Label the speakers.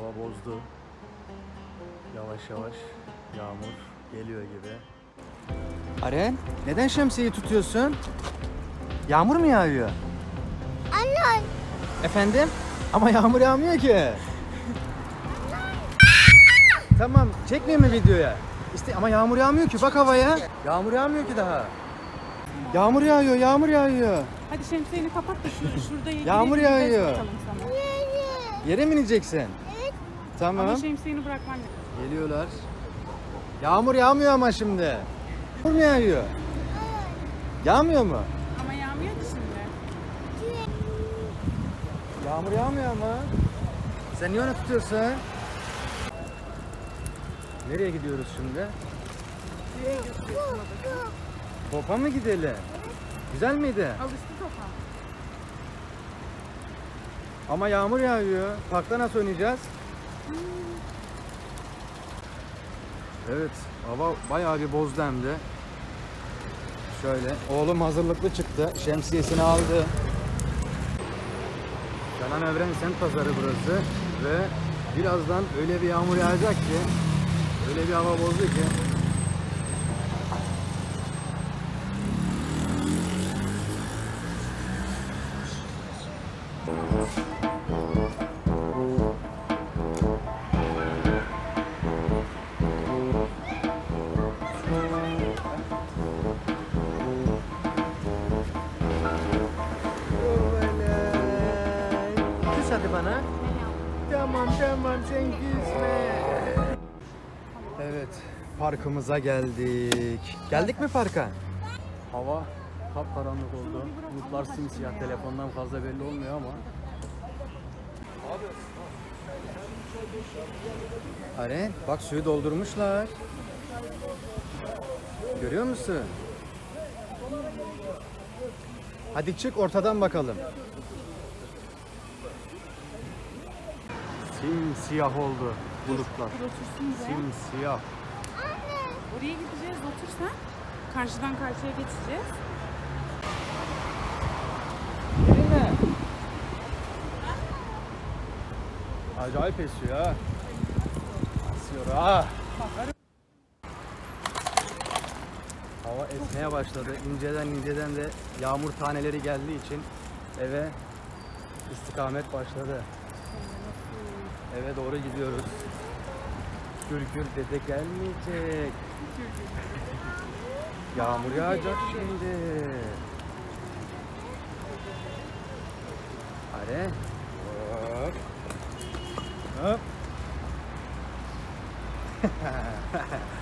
Speaker 1: Hava bozdu. Yavaş yavaş yağmur geliyor gibi. Aren, neden şemsiyeyi tutuyorsun? Yağmur mu yağıyor?
Speaker 2: Anne.
Speaker 1: Efendim? Ama yağmur yağmıyor ki. Tamam, çekmeyeyim mi videoya? Ama yağmur yağmıyor ki, bak havaya. Yağmur yağmıyor ki daha. Yağmur yağıyor, yağmur yağıyor.
Speaker 3: Hadi şemsiyeni kapat da şurada
Speaker 1: Yağmur
Speaker 3: gidelim,
Speaker 1: yağıyor.
Speaker 3: ders bakalım sana.
Speaker 1: Yere mi ineceksin?
Speaker 2: Evet.
Speaker 1: Tamam.
Speaker 3: Ama şemsiyeni bırakman lazım.
Speaker 1: Geliyorlar. Yağmur yağmıyor ama şimdi. Yağmur mu yağıyor? Yağmıyor mu?
Speaker 3: Ama yağmıyor ki şimdi.
Speaker 1: Yağmur yağmıyor ama. Sen niye onu tutuyorsun? Nereye gidiyoruz şimdi? Topa mı gidelim? Güzel miydi?
Speaker 3: Alıştı topa.
Speaker 1: Ama yağmur yağıyor. Parkta nasıl oynayacağız? Evet, hava bayağı bir bozdu hem de. Şöyle, oğlum hazırlıklı çıktı. Şemsiyesini aldı. Canan Evren Semt Pazarı burası. Ve birazdan öyle bir yağmur yağacak ki, öyle bir hava bozdu ki. Küs hadi bana. Tamam sen küsme. Evet, parkımıza geldik. Geldik mi parka? Hava kapkaranlık oldu. Bulutlar simsiyah. Telefondan fazla belli olmuyor ama. Aren, bak suyu doldurmuşlar. Görüyor musun? Hadi çık ortadan bakalım. Simsiyah oldu bulutlar.
Speaker 3: Bir otursun be.
Speaker 1: Simsiyah.
Speaker 3: Oraya gideceğiz, otursan. Karşıdan karşıya geçeceğiz.
Speaker 1: Yerine. Acayip esiyor ha. Esiyor ha. Hava esmeye başladı. İnceden de yağmur taneleri geldiği için eve istikamet başladı. Eve doğru gidiyoruz. Gürgür dede gelmeyecek. Yağmur yağacak şimdi. Hadi. Hop. Hop.